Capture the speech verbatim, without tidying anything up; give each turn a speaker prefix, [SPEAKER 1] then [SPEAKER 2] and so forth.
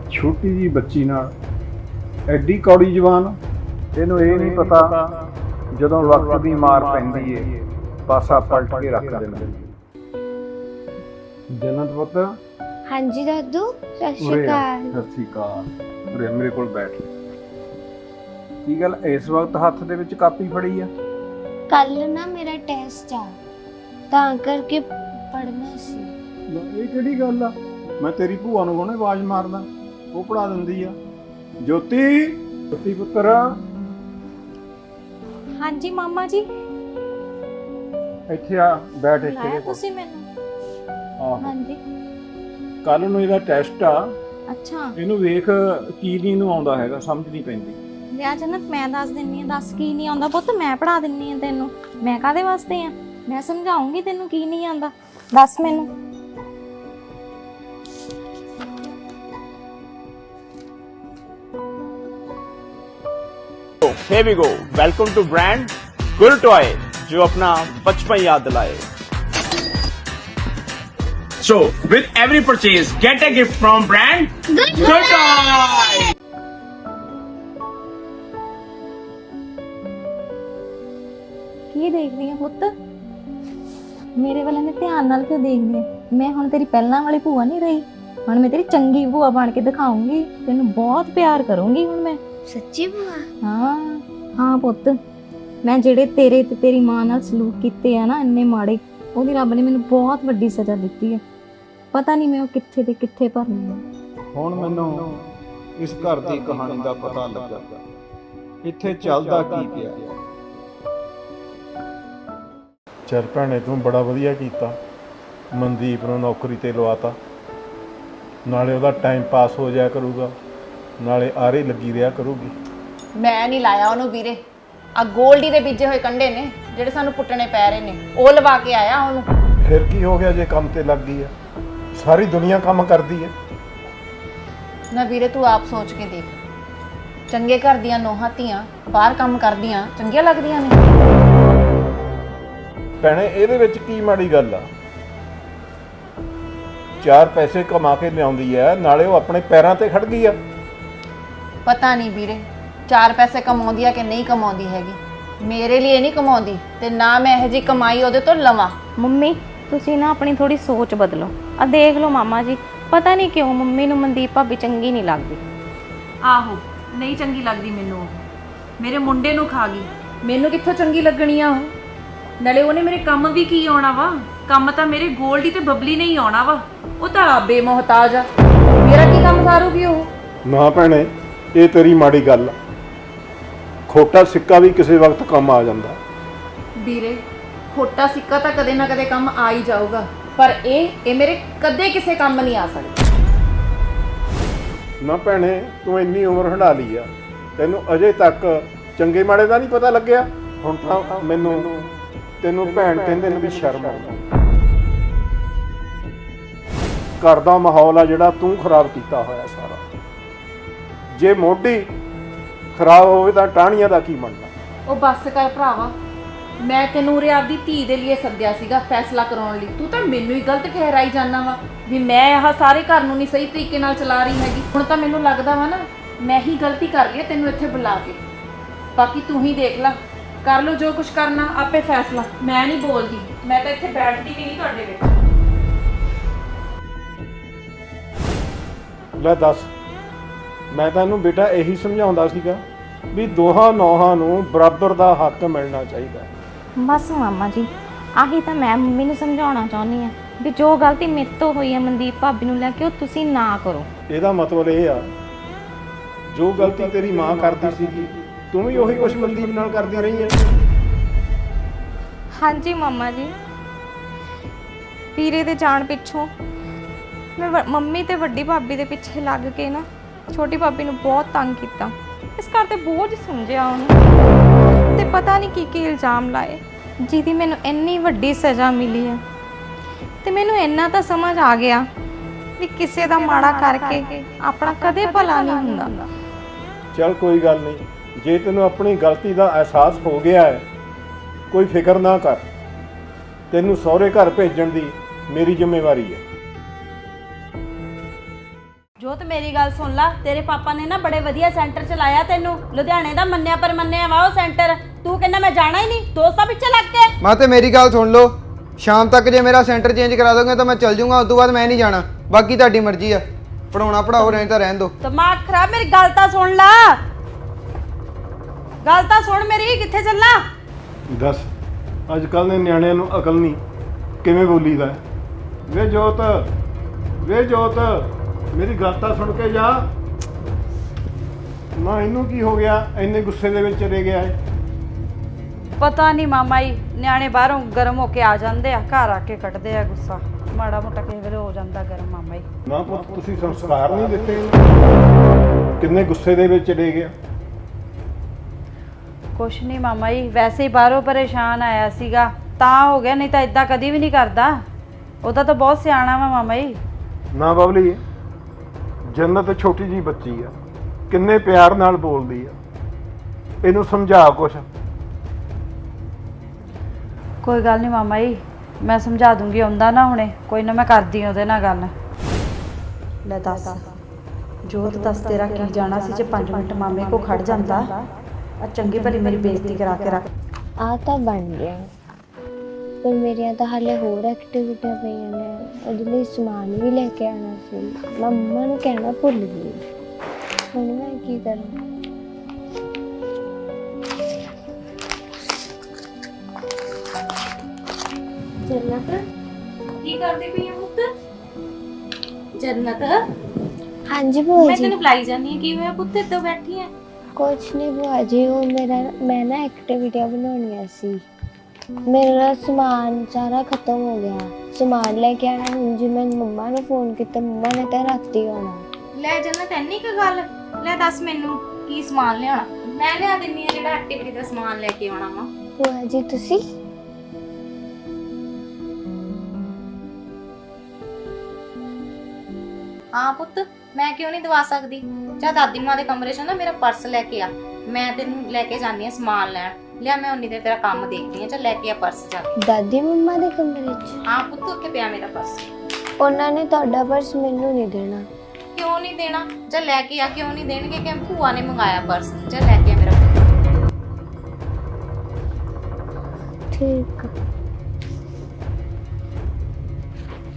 [SPEAKER 1] ਛੋਟੀ ਜੀ ਬੱਚੀ ਨਾਲ ਐਡੀ ਕੌੜੀ ਜ਼ਬਾਨ। ਇਹਨੂੰ ਇਹ ਨਹੀਂ ਪਤਾ ਜਦੋਂ ਵਕਤ ਦੀ ਮਾਰ ਪੈਂਦੀ ਏ ਪਾਸਾ ਪਲਟ ਕੇ ਰੱਖ ਦਿੰਦਾ। ਜਨਤ ਪੁੱਤ।
[SPEAKER 2] ਹਾਂਜੀ ਦਾਦੂ, ਸਤਿ ਸ਼੍ਰੀ ਅਕਾਲ।
[SPEAKER 1] ਸਤਿ ਸ਼੍ਰੀ ਅਕਾਲ। ਉਰੇ ਮੇਰੇ ਕੋਲ ਬੈਠ। ਕੀ ਗੱਲ ਇਸ ਵਕਤ ਹੱਥ ਦੇ ਵਿੱਚ ਕਾਪੀ ਫੜੀ ਆ?
[SPEAKER 2] ਕੱਲ ਨਾ ਮੇਰਾ ਟੈਸਟ ਆ, ਤਾਂ ਕਰਕੇ ਪੜ੍ਹਨਾ ਸੀ।
[SPEAKER 1] ਇਹ ਕਿਹੜੀ ਗੱਲ ਆ? ਮੈਂ ਤੇਰੀ ਭੂਆ ਨੂੰ ਹੁਣੇ ਆਵਾਜ਼ ਮਾਰਦਾ, ਉਹ ਪੜ੍ਹਾ ਦਿੰਦੀ ਆ। ਜੋਤੀ, ਜੋਤੀ ਪੁੱਤਰ।
[SPEAKER 3] ਹਾਂਜੀ ਮਾਮਾ ਜੀ।
[SPEAKER 1] ਇੱਥੇ ਆ, ਬੈਠ ਇੱਥੇ।
[SPEAKER 3] ਬੁਲਾਇਆ ਤੁਸੀਂ ਮੈਨੂੰ?
[SPEAKER 1] ਆਹੋ।
[SPEAKER 3] ਹਾਂਜੀ।
[SPEAKER 1] ਕੱਲ ਨੂੰ ਇਹਦਾ ਟੈਸਟ ਆ।
[SPEAKER 3] ਅੱਛਾ।
[SPEAKER 1] ਇਹਨੂੰ ਵੇਖ ਕੀ ਨਹੀਂ ਇਹਨੂੰ ਆਉਂਦਾ ਹੈਗਾ, ਸਮਝ ਨਹੀਂ ਪੈਂਦੀ।
[SPEAKER 3] ਲਿਆ ਜਨਤ, ਮੈਂ ਦੱਸ ਦਿੰਨੀ ਆ। ਦੱਸ ਕੀ ਨਹੀਂ ਆਉਂਦਾ ਪੁੱਤ, ਮੈਂ ਪੜ੍ਹਾ ਦਿੰਨੀ ਆ ਤੈਨੂੰ। ਮੈਂ ਕਾਹਦੇ ਵਾਸਤੇ ਆ? ਮੈਂ ਸਮਝਾਉਂਗੀ ਤੈਨੂੰ ਕੀ ਨਹੀਂ ਆਉਂਦਾ। ਦੱਸ ਮੈਨੂੰ।
[SPEAKER 4] Here we go. Welcome to brand Good Toy, जो अपना बचपन याद दिलाए. So, with every purchase, get a gift from brand Good Toy.
[SPEAKER 3] ਕੀ ਦੇਖਦੀ ਆ ਪੁੱਤ? ਮੇਰੇ ਵੱਲ ਨੇ ਧਿਆਨ ਨਾਲ ਕਿਉਂ ਦੇਖਦੀ ਆ? ਮੈਂ ਹੁਣ ਤੇਰੀ ਪਹਿਲਾਂ ਵਾਲੀ ਭੂਆ ਨਹੀਂ ਰਹੀ। ਹੁਣ ਮੈਂ ਤੇਰੀ ਚੰਗੀ ਭੂਆ ਬਣ ਕੇ ਦਿਖਾਉਂਗੀ। ਤੈਨੂੰ ਬਹੁਤ ਪਿਆਰ ਕਰੂੰਗੀ ਹੁਣ ਮੈਂ।
[SPEAKER 2] ਸੱਚੀ ਭੂਆ?
[SPEAKER 3] ਹਾਂ ਹਾਂ ਪੁੱਤ, ਮੈਂ ਜਿਹੜੇ ਤੇਰੇ ਤੇ ਤੇਰੀ ਮਾਂ ਨਾਲ ਸਲੂਕ ਕੀਤੇ ਆ ਨਾ ਇੰਨੇ ਮਾੜੇ, ਉਹਦੀ ਰੱਬ ਨੇ ਮੈਨੂੰ ਬਹੁਤ ਵੱਡੀ ਸਜ਼ਾ ਦਿੱਤੀ ਹੈ। ਪਤਾ ਨਹੀਂ ਮੈਂ ਉਹ ਕਿੱਥੇ ਤੇ ਕਿੱਥੇ ਭਰਨੀ ਆ।
[SPEAKER 1] ਹੁਣ ਮੈਨੂੰ ਇਸ ਘਰ ਦੀ ਕਹਾਣੀ ਦਾ ਪਤਾ ਲੱਗਾ, ਇੱਥੇ ਚੱਲਦਾ ਕੀ ਪਿਆ।
[SPEAKER 5] ਚੱਲ ਭੈਣੇ, ਤੂੰ ਬੜਾ ਵਧੀਆ ਕੀਤਾ, ਮਨਦੀਪ ਨੂੰ ਨੌਕਰੀ ਤੇ ਲਵਾਤਾ। ਨਾਲੇ ਉਹਦਾ ਟਾਈਮ ਪਾਸ ਹੋ ਜਾਇਆ ਕਰੂਗਾ, ਨਾਲੇ ਆਰੇ ਲੱਗੀ ਰਿਹਾ ਕਰੂਗੀ।
[SPEAKER 6] ਮੈਂ ਨਹੀਂ ਲਾਇਆ ਉਹਨੂੰ ਵੀਰੇ। ਆ ਗੋਲਡੀ ਦੇ ਬੀਜੇ ਹੋਏ ਕੰਡੇ ਨੇ ਜਿਹੜੇ ਸਾਨੂੰ ਪੁੱਟਣੇ ਪੈ ਰਹੇ ਨੇ, ਉਹ ਲਵਾ ਕੇ ਆਇਆ ਉਹਨੂੰ।
[SPEAKER 5] ਫਿਰ ਕੀ ਹੋ ਗਿਆ ਜੇ ਕੰਮ ਤੇ ਲੱਗ ਗਈ ਆ? ਸਾਰੀ ਦੁਨੀਆ ਕੰਮ ਕਰਦੀ ਹੈ
[SPEAKER 6] ਨਾ ਵੀਰੇ, ਤੂੰ ਆਪ ਸੋਚ ਕੇ ਦੇਖ। ਚੰਗੇ ਘਰ ਦੀਆਂ ਨੋਹਾਂ ਧੀਆਂ ਬਾਹਰ ਕੰਮ ਕਰਦੀਆਂ ਚੰਗੀਆਂ ਲੱਗਦੀਆਂ ਨੇ?
[SPEAKER 5] ਭੈਣੇ, ਇਹਦੇ ਵਿੱਚ ਕੀ ਮਾੜੀ ਗੱਲ ਆ? ਚਾਰ ਪੈਸੇ ਕਮਾ ਕੇ ਲਿਆਉਂਦੀ ਆ, ਨਾਲੇ ਉਹ ਆਪਣੇ ਪੈਰਾਂ ਤੇ ਖੜ ਗਈ ਆ।
[SPEAKER 6] ਪਤਾ ਨਹੀਂ ਵੀਰੇ, ਚਾਰ ਪੈਸੇ ਕਮਾਉਂਦੀ ਆ ਕਿ ਨਹੀਂ ਕਮਾਉਂਦੀ ਹੈਗੀ। ਮੇਰੇ ਲਈ ਨਹੀਂ ਕਮਾਉਂਦੀ ਤੇ ਨਾ ਮੈਂ ਇਹੋ ਜਿਹੀ ਕਮਾਈ ਉਹਦੇ ਤੋਂ ਲਵਾਂ।
[SPEAKER 3] ਮੰਮੀ, ਤੁਸੀਂ ਨਾ ਆਪਣੀ ਥੋੜੀ ਸੋਚ ਬਦਲੋ। ਆ ਦੇਖ ਲਓ ਮਾਮਾ ਜੀ, ਪਤਾ ਨਹੀਂ ਕਿਉਂ ਮੰਮੀ ਨੂੰ ਮਨਦੀਪ ਭਾਬੀ ਚੰਗੀ ਨਹੀਂ ਲੱਗਦੀ।
[SPEAKER 7] ਆਹੋ, ਨਹੀਂ ਚੰਗੀ ਲੱਗਦੀ ਮੈਨੂੰ। ਉਹ ਮੇਰੇ ਮੁੰਡੇ ਨੂੰ ਖਾ ਗਈ, ਮੈਨੂੰ ਕਿੱਥੋਂ ਚੰਗੀ ਲੱਗਣੀ ਆ ਉਹ? ਨਾਲੇ ਉਹਨੇ ਮੇਰੇ ਕੰਮ ਵੀ ਕੀ ਆਉਣਾ ਵਾ? ਕੰਮ ਤਾਂ ਮੇਰੇ ਗੋਲਡੀ ਤੇ ਬਬਲੀ ਨਹੀਂ ਆਉਣਾ ਵਾ। ਉਹ ਤਾਂ ਬੇਮੋਹਤਾਜ ਆ, ਮੇਰਾ ਕੀ ਕੰਮ ਸਾਰੂਗੀ ਉਹ?
[SPEAKER 5] ਨਾ ਭੈਣੇ, ਇਹ ਤੇਰੀ ਮਾੜੀ ਗੱਲ ਆ। ਖੋਟਾ ਸਿੱਕਾ ਵੀ ਕਿਸੇ ਵਕਤ ਕੰਮ ਆ ਜਾਂਦਾ
[SPEAKER 6] ਵੀਰੇ। ਖੋਟਾ ਸਿੱਕਾ ਤਾਂ ਕਦੇ ਨਾ ਕਦੇ ਕੰਮ ਆ ਹੀ ਜਾਊਗਾ, ਪਰ ਇਹ ਇਹ ਮੇਰੇ ਕਦੇ ਕਿਸੇ ਕੰਮ ਨਹੀਂ ਆ ਸਕਦਾ।
[SPEAKER 5] ਨਾ ਭੈਣੇ, ਤੂੰ ਇੰਨੀ ਉਮਰ ਹੰਢਾ ਲਈ ਆ, ਤੈਨੂੰ ਅਜੇ ਤੱਕ ਚੰਗੇ ਮਾੜੇ ਦਾ ਨਹੀਂ ਪਤਾ ਲੱਗਿਆ। ਹੁਣ ਤਾਂ ਮੈਨੂੰ ਤੈਨੂੰ ਭੈਣ ਕਹਿੰਦੇ ਨੇ ਵੀ ਸ਼ਰਮ ਆਉਂਦੀ। ਘਰ ਦਾ ਮਾਹੌਲ ਆ ਜਿਹੜਾ ਤੂੰ ਖਰਾਬ ਕੀਤਾ ਹੋਇਆ ਸਾਰਾ। ਜੇ ਮੋਢੀ ਖਰਾਬ ਹੋਵੇ ਤਾਂ ਟਾਹਣੀਆਂ ਦਾ ਕੀ ਬਣਨਾ?
[SPEAKER 6] ਉਹ ਬੱਸ ਕਰ ਭਰਾਵਾ, ਮੈਂ ਤੈਨੂੰ ਉਰੇ ਆਪਦੀ ਧੀ ਦੇ ਲਈ ਸੱਦਿਆ ਸੀਗਾ ਫੈਸਲਾ ਕਰਾਉਣ ਲਈ। ਤੂੰ ਤਾਂ ਮੈਨੂੰ ਹੀ ਗਲਤ ਠਹਿਰਾਈ ਜਾਂਦਾ ਵਾ ਵੀ ਮੈਂ ਆਹ ਸਾਰੇ ਘਰ ਨੂੰ ਨਹੀਂ ਸਹੀ ਤਰੀਕੇ ਨਾਲ ਚਲਾ ਰਹੀ ਹੈਗੀ। ਹੁਣ ਤਾਂ ਮੈਨੂੰ ਲੱਗਦਾ ਵਾ ਨਾ ਮੈਂ ਹੀ ਗਲਤੀ ਕਰ ਲਈ ਤੈਨੂੰ ਇੱਥੇ ਬੁਲਾ ਕੇ। ਬਾਕੀ ਤੂੰ ਹੀ ਦੇਖ ਲੈ, ਕਰ ਲਓ ਜੋ ਕੁਝ ਕਰਨਾ, ਆਪੇ ਫੈਸਲਾ। ਮੈਂ ਨਹੀਂ ਬੋਲਦੀ, ਮੈਂ ਤਾਂ ਇੱਥੇ ਬੈਠਦੀ ਵੀ ਨਹੀਂ ਤੁਹਾਡੇ ਵਿੱਚ।
[SPEAKER 5] ਲੈ ਦੱਸ, ਮੈਂ ਤੈਨੂੰ ਬੇਟਾ ਇਹੀ ਸਮਝਾਉਂਦਾ ਸੀਗਾ ਵੀ ਦੋਹਾਂ ਨੌਹਾਂ ਨੂੰ ਬਰਾਬਰ ਦਾ ਹੱਕ ਮਿਲਣਾ ਚਾਹੀਦਾ।
[SPEAKER 3] ਬਸ ਮਾਮਾ ਜੀ, ਆਹੀ ਤਾਂ ਮੈਂ ਮੰਮੀ ਨੂੰ ਸਮਝਾਉਣਾ ਚਾਹੁੰਦੀ ਆ ਵੀ ਜੋ ਗਲਤੀ ਮੇਰੇ ਤੋਂ ਹੋਈ ਹੈ ਮਨਦੀਪ ਭਾਬੀ ਨੂੰ ਲੈ ਕੇ, ਉਹ ਤੁਸੀਂ ਨਾ ਕਰੋ।
[SPEAKER 5] ਇਹਦਾ ਮਤਲਬ ਇਹ ਆ, ਜੋ ਗਲਤੀ ਤੇਰੀ ਮਾਂ ਕਰਦੀ ਸੀਗੀ ਤੂੰ ਵੀ ਉਹੀ ਕੁਛ ਮਨਦੀਪ ਨਾਲ ਕਰਦੀ ਰਹੀ ਹੈ।
[SPEAKER 3] ਹਾਂਜੀ ਮਾਮਾ ਜੀ, ਵੀਰੇ ਦੇ ਜਾਣ ਪਿੱਛੋਂ ਮੈਂ ਮੰਮੀ ਤੇ ਵੱਡੀ ਭਾਬੀ ਦੇ ਪਿੱਛੇ ਲੱਗ ਕੇ ਨਾ ਛੋਟੀ ਭਾਬੀ ਨੂੰ ਬਹੁਤ ਤੰਗ ਕੀਤਾ। ਇਸ ਘਰ ਤੇ ਬੋਝ ਸਮਝਿਆ ਉਹਨੂੰ, ਤੇ ਪਤਾ ਨਹੀਂ ਕੀ ਕੀ ਇਲਜ਼ਾਮ ਲਾਏ, ਜਿਹਦੀ ਮੈਨੂੰ ਇੰਨੀ ਵੱਡੀ ਸਜ਼ਾ ਮਿਲੀ ਹੈ। ਤੇ ਮੈਨੂੰ ਇੰਨਾ ਤਾਂ ਸਮਝ ਆ ਗਿਆ ਵੀ ਕਿਸੇ ਦਾ ਮਾੜਾ ਕਰਕੇ ਆਪਣਾ ਕਦੇ ਭਲਾ ਨਹੀਂ ਹੁੰਦਾ।
[SPEAKER 5] ਚੱਲ ਕੋਈ ਗੱਲ ਨਹੀਂ, ਜੇ ਤੈਨੂੰ ਆਪਣੀ ਗਲਤੀ ਦਾ ਅਹਿਸਾਸ ਹੋ ਗਿਆ ਹੈ, ਕੋਈ ਫਿਕਰ ਨਾ ਕਰ। ਤੈਨੂੰ ਸਹੁਰੇ ਘਰ ਭੇਜਣ ਦੀ ਮੇਰੀ ਜ਼ਿੰਮੇਵਾਰੀ ਹੈ।
[SPEAKER 8] ਜੋਤ ਮੇਰੀ ਗੱਲ ਸੁਣ ਲਾ, ਤੇਰੇ ਪਾਪਾ ਨੇ ਨਾ ਬੜੇ ਵਧੀਆ ਸੈਂਟਰ ਚ ਲਾਇਆ ਤੈਨੂੰ, ਲੁਧਿਆਣੇ ਦਾ ਮੰਨਿਆ ਪਰ ਮੰਨਿਆ ਵਾ ਉਹ ਸੈਂਟਰ। ਤੂੰ ਕਹਿੰਦਾ ਮੈਂ ਜਾਣਾ ਹੀ ਨਹੀਂ, ਦੋਸਤਾਂ ਪਿੱਛੇ ਲੱਗ ਕੇ।
[SPEAKER 9] ਮਾਂ ਤੇ ਮੇਰੀ ਗੱਲ ਸੁਣ ਲਓ, ਸ਼ਾਮ ਤੱਕ ਜੇ ਮੇਰਾ ਸੈਂਟਰ ਚੇਂਜ ਕਰਾ ਦੋਗੇ ਤਾਂ ਮੈਂ ਚੱਲ ਜਾਊਂਗਾ, ਉਸ ਤੋਂ ਬਾਅਦ ਮੈਂ ਨਹੀਂ ਜਾਣਾ। ਬਾਕੀ ਤੁਹਾਡੀ ਮਰਜ਼ੀ ਆ, ਪੜਾਉਣਾ ਪੜਾਓ, ਨਹੀਂ ਤਾਂ ਰਹਿਣ ਦਿਓ।
[SPEAKER 8] ਦਿਮਾਗ ਖਰਾਬ, ਮੇਰੀ ਗੱਲ ਤਾਂ ਸੁਣ ਲਾ, ਗੱਲ ਤਾਂ ਸੁਣ ਮੇਰੀ, ਕਿੱਥੇ ਚੱਲਾਂ?
[SPEAKER 5] ਦੱਸ, ਅੱਜ ਕੱਲ੍ਹ ਦੇ ਨਿਆਣਿਆਂ ਨੂੰ ਅਕਲ ਨਹੀਂ, ਕਿਵੇਂ ਬੋਲੀਦਾ? ਵੇ ਜੋਤ, ਵੇ ਜੋਤ, ਮੇਰੀ ਗੱਲ ਤਾਂ ਸੁਣ ਕੇ ਜਾ। ਨਾ ਇਹਨੂੰ ਕੀ ਹੋ ਗਿਆ, ਇੰਨੇ ਗੁੱਸੇ ਦੇ ਵਿੱਚ ਚਲੇ ਗਿਆ ਹੈ?
[SPEAKER 8] ਪਤਾ ਨਹੀਂ ਮਾਮਾ ਜੀ, ਨਿਆਣੇ ਬਾਹਰੋਂ ਗਰਮ ਹੋ ਕੇ ਆ ਜਾਂਦੇ ਆ, ਘਰ ਆ ਕੇ ਕੱਢਦੇ ਆ ਗੁੱਸਾ, ਮਾੜਾ ਮੋਟਾ ਕਿਸੇ ਵੇਲੇ ਹੋ ਜਾਂਦਾ ਗਰਮ ਮਾਮਾ ਜੀ।
[SPEAKER 5] ਨਾ ਪੁੱਤ, ਤੁਸੀਂ ਸੰਸਕਾਰ ਨਹੀਂ ਦਿੱਤੇ, ਕਿੰਨੇ ਗੁੱਸੇ ਦੇ ਵਿੱਚ ਚਲੇ ਗਿਆ।
[SPEAKER 8] ਕੁਛ ਨਹੀਂ ਮਾਮਾ ਜੀ, ਵੈਸੇ ਹੀ ਬਾਹਰੋਂ ਪਰੇਸ਼ਾਨ ਆਇਆ ਸੀਗਾ ਤਾਂ ਹੋ ਗਿਆ, ਨਹੀਂ ਤਾਂ ਇਦਾਂ ਕਦੀ ਵੀ ਨਹੀਂ ਕਰਦਾ। ਉਹਦਾ ਤਾਂ ਬਹੁਤ ਸਿਆਣਾ ਵਾ ਮਾਮਾ ਜੀ।
[SPEAKER 5] ਨਾ ਬਬਲੀ, ਜੰਨਤ ਛੋਟੀ ਜੀ ਬੱਚੀ ਆ, ਕਿੰਨੇ ਪਿਆਰ ਨਾਲ ਬੋਲਦੀ ਆ, ਇਹਨੂੰ ਸਮਝਾ ਕੁਛ।
[SPEAKER 8] ਕੋਈ ਗੱਲ ਨਹੀਂ ਮਾਮਾ ਜੀ, ਮੈਂ ਸਮਝਾ ਦੂੰਗੀ, ਆਉਂਦਾ ਨਾ ਹੁਣੇ, ਕੋਈ ਨਾ ਮੈਂ ਕਰਦੀ ਹਾਂ ਉਹਦੇ ਨਾਲ ਗੱਲ। ਲੈ ਦੱਸ ਜੋਤ, ਦੱਸ ਤੇਰਾ ਕੀ ਜਾਣਾ ਸੀ ਜੇ ਪੰਜ ਮਿੰਟ ਮਾਮੇ ਕੋ ਖੜ ਜਾਂਦਾ। ਆ ਚੰਗੀ ਭਲੀ ਮੇਰੀ ਬੇਇੱਜ਼ਤੀ ਕਰਾ ਕੇ ਰੱਖ।
[SPEAKER 2] ਆ ਤਾਂ ਬਣ ਗਿਆ, ਪਰ ਮੇਰੀਆਂ ਤਾਂ ਹਾਲੇ ਹੋਰ ਐਕਟੀਵਿਟੀਆਂ ਪਈਆਂ ਨੇ, ਉਹਦੇ ਲਈ ਸਮਾਨ ਵੀ ਲੈ ਕੇ ਆਉਣਾ ਸੀ। ਮੈਂ ਮੰਮਾ ਨੂੰ ਕਹਿਣਾ ਭੁੱਲ ਗਈ, ਹੁਣ ਮੈਂ ਕੀ ਕਰਾਂ?
[SPEAKER 7] ਜੰਨਤ ਕੀ ਕਰਦੀ ਪਈ ਹੈ ਪੁੱਤ? ਜੰਨਤ
[SPEAKER 2] ਹਾਂਜੀ ਭੂਆ
[SPEAKER 7] ਮੈਂ
[SPEAKER 2] ਜੀ।
[SPEAKER 7] ਤੈਨੂੰ ਬੁਲਾਈ ਜਾਂਦੀ ਹਾਂ, ਕੀ ਹੋਇਆ ਪੁੱਤ ਇੱਦਾਂ ਬੈਠੀ ਹੈ?
[SPEAKER 2] ਕੁਛ ਨਹੀਂ ਭੂਆ ਜੀ, ਉਹ ਮੇਰਾ ਮੈਂ ਨਾ ਐਕਟੀਵਿਟੀਆਂ ਬਣਾਉਣੀਆਂ ਸੀ, ਮੇਰਾ ਸਮਾਨ ਸਾਰਾ ਖਤਮ ਹੋ ਗਿਆ, ਸਮਾਨ ਲੈ ਕੇ ਆਣਾ। ਹੁਣ ਜੀ ਮੈਂ ਮੰਮਾ ਨੂੰ ਫੋਨ ਕੀਤਾ, ਮੰਮਾ ਨੇ ਤਾਂ ਰਾਤੀ ਆਉਣਾ।
[SPEAKER 3] ਲੈ ਜੰਨਤ, ਇੰਨੀ ਕੁ ਗੱਲ? ਲੈ ਦੱਸ ਮੈਨੂੰ ਕੀ ਸਮਾਨ ਲਿਆਉਣਾ, ਮੈਂ ਲਿਆ ਦਿੰਨੀ ਆ ਜਿਹੜਾ ਐਕਟੀਵਿਟੀ ਦਾ ਸਮਾਨ ਲੈ ਕੇ ਆਉਣਾ ਵਾ।
[SPEAKER 2] ਭੂਆ ਜੀ ਤੁਸੀਂ?
[SPEAKER 3] ਹਾਂ ਪੁੱਤ, ਮੈਂ ਕਿਉਂ ਨਹੀਂ ਦਵਾ ਸਕਦੀ? ਜਾ ਦਾਦੀ ਮਾਂ ਦੇ ਕਮਰੇ 'ਚ ਨਾ ਮੇਰਾ ਪਰਸ ਲੈ ਕੇ ਆ, ਮੈਂ ਤੈਨੂੰ ਲੈ ਕੇ ਜਾਂਦੀ ਆ ਸਮਾਨ ਲੈਣ। ਲਿਆ, ਮੈਂ ਉਨੀ ਦੇਰ ਤੇਰਾ ਕੰਮ ਦੇਖਦੀ ਆ, ਚੱਲ ਲੈ ਕੇ ਆ ਪਰਸ ਜਾ ਕੇ।
[SPEAKER 2] ਦਾਦੀ ਮੰਮਾ ਦੇ ਕਮਰੇ 'ਚ?
[SPEAKER 3] ਹਾਂ ਪੁੱਤ, ਉੱਥੇ ਪਿਆ ਮੇਰਾ ਪਰਸ।
[SPEAKER 2] ਉਹਨਾਂ ਨੇ ਤੁਹਾਡਾ ਪਰਸ ਮੈਨੂੰ ਨਹੀਂ ਦੇਣਾ।
[SPEAKER 3] ਕਿਉਂ ਨਹੀਂ ਦੇਣਾ? ਜਾ ਲੈ ਕੇ ਆ। ਕਿਉਂ ਨਹੀਂ ਦੇਣਗੇ? ਕਿ ਭੂਆ ਨੇ ਮੰਗਾਇਆ ਪਰਸ, ਜਾ ਲੈ ਕੇ ਆ ਮੇਰਾ ਪਰਸ।
[SPEAKER 2] ਠੀਕ।